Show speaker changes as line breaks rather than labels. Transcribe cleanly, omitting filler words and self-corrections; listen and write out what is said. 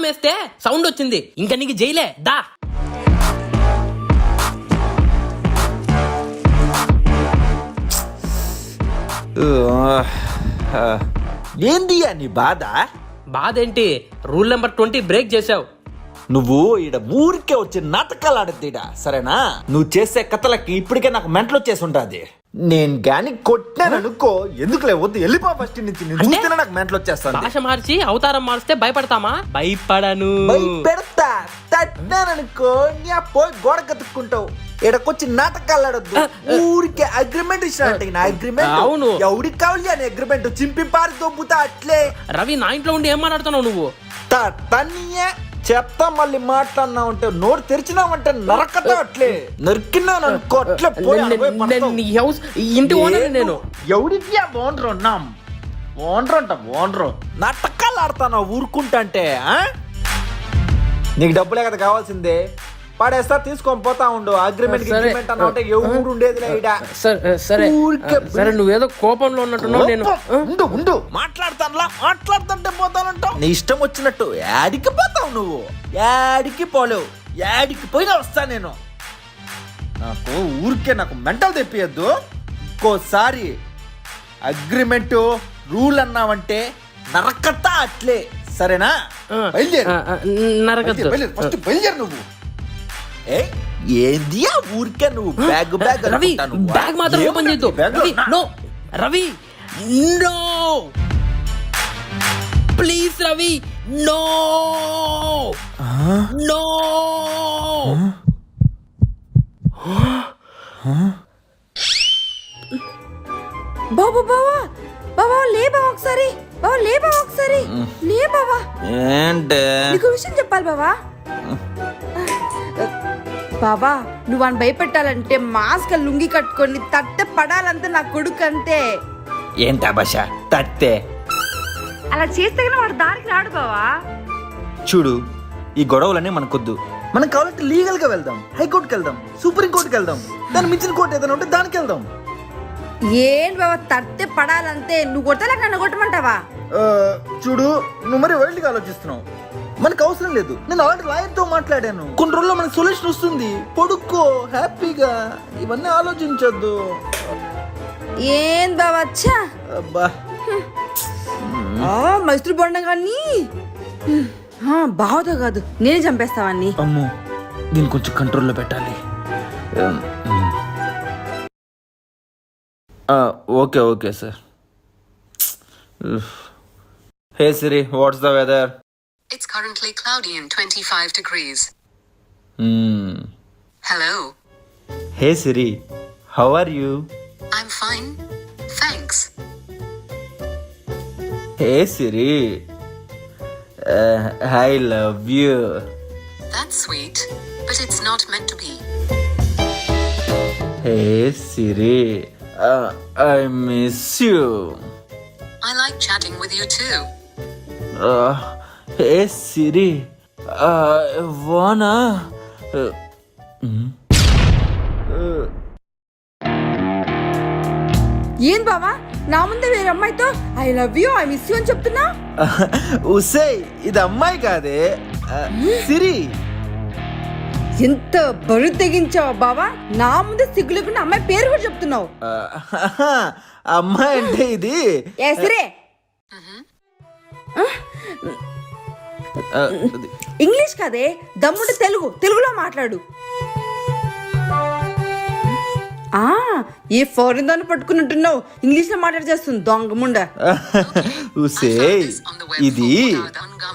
వేస్తే సౌండ్ వచ్చింది. ఇంకా నీకు జైలే దా.
ఏంది నీ బాధ?
బాధేంటి? రూల్ నెంబర్ 20 బ్రేక్ చేసావు.
నువ్వు ఈడ ఊరికే వచ్చి నాటకాలు ఆడద్దు సరేనా? నువ్వు చేసే కథలకి ఇప్పటికే నాకు మెంటలు వచ్చేసి ఉంటుంది. నేను గాని కొట్టాను అనుకో, ఎందుకులే వద్దు వెళ్ళిపో ఫస్ట్ నుంచి. నాకు మెంటలు వచ్చేస్తాను.
భాష మార్చి అవతారం మారిస్తే భయపడతామా? భయపడను.
పెడతా తట్టాననుకో నీ పోయి గోడ కతుక్కుంటావు. ఇక్కడికొచ్చి నాటకాలు ఆడొద్దు. ఊరికే అగ్రిమెంట్ ఇచ్చినట్టు నా అగ్రిమెంట్.
అవును,
ఎవరికి కావాలి అని అగ్రిమెంట్ చింపి పారి దొబ్బుతా అట్లే.
రవి నా ఇంట్లో ఉండి ఏం మాట్లాడుతున్నావు నువ్వు?
తన్నీయే చెప్తా. మళ్ళీ మాట్లాడినావంటే నోరు తెరిచినావంటే నరకతా అట్లే నరికినాను అనుకో. అట్లే
ఇంటి ఓనర్ నేను.
ఎవరికి ఓనరు ఉన్నాం? ఓనరు అంట ఓనరు. నాటకాలు ఆడతాను ఊరుకుంటా అంటే. నీకు డబ్బులే కదా కావాల్సిందే. పడేస్తా తీసుకొని పోతా ఉండు. అగ్రిమెంట్ అన్న ఎవరు ఉండేది
సరే, నువ్వేదో కోపంలో ఉన్నట్టున్నావు. నేను
ఉండు మాట్లాడుతుంటే పోతానంటావు. నీ ఇష్టం వచ్చినట్టు యాడికి పోతావు నువ్వు? యాడికి పోలేవు. యాడికి పోయినా వస్తా నేను. నాకు ఊరికే నాకు మెంటల్ తెప్పియద్దు. ఇంకోసారి అగ్రిమెంట్ రూల్ అన్నావంటే నరకతా అట్లే సరేనా? బయలుదేరు ఫస్ట్ బయలుదేరు నువ్వు. ఏంది ఊరికే నువ్వు బ్యాగ్
రవి బ్యాగ్ మాత్రం ఓపెన్ చేయొద్దు. Ravi no please Ravi no no.
బాబా బావా బావా లే బావా ఒకసారి. బావా లే బావా ఒకసారి. లే బావా.
ఏంటే
నీకు విషయం చెప్పాలి బావా. బాబా నువ్వు అని భయపెట్టాలంటే మాస్క్ లుంగి కట్టుకొని తట్టే పడాలంటే నా కొడుకు అంతే.
ఏంటా భాష తట్టే?
అలా చేస్తే వాడు దారికి రాడు బావా.
చూడు ఈ గొడవలన్నీ మనకొద్దు. మనం కావాలంటే లీగల్ గా వెళ్దాం. హైకోర్టుకి వెళ్దాం, సుప్రీం కోర్టుకి వెళ్దాం. దాని మించిన కోర్టు ఏదైనా ఉంటే దానికి వెళ్దాం.
ఏంటి బాబా తట్టే పడాలంటే నువ్వు కొట్టలేక నన్ను కొట్టమంటావా?
చూడు నువ్వు మరి వైల్డ్ గా ఆలోచిస్తున్నావు. మనకు అవసరం లేదు. నేను ఆల్రెడీ లాయర్ తో మాట్లాడాను. కొన్ని రోజుల్లో మనకు సొల్యూషన్ వస్తుంది. పడుకో హ్యాపీగా. ఇవన్నీ ఆలోచించొద్దు.
ఏం బావా అచ్చా మైత్రి బొండ కానీ బావతో కాదు నేనే చంపేస్తావని.
అమ్మో దీన్ని కొంచెం కంట్రోల్లో పెట్టాలి. Okay sir. Hey Siri, what's the weather?
It's currently cloudy and 25 degrees. Hello.
Hey Siri, how are you?
I'm fine, thanks.
Hey Siri, I love you.
That's sweet, but it's not meant to be.
Hey Siri, I miss you.
I like chatting with you too.
Hey Siri, wanna?
ఏం బావా నా ముందే వేరే అమ్మాయితో I love you I miss you అని చెప్తున్నా?
ఉసే ఇది అమ్మాయి కాదే, సిరి.
ఎంత బరువు తెగించావు బావా. నా ముందే సిగ్గు లేకుండా అమ్మాయి పేరు కూడా చెప్తున్నావు.
అమ్మాయి అంటే ఇది
ఏ సిరే ఇంగ్లీష్ కాదే, దమ్ముంటే తెలుగులో మాట్లాడు. ఏ ఫారిన్ దాన్ని పట్టుకున్నట్టున్నావు. ఇంగ్లీష్ లో మాట్లాడి చేస్తుంది దొంగ ముండ.
ఇది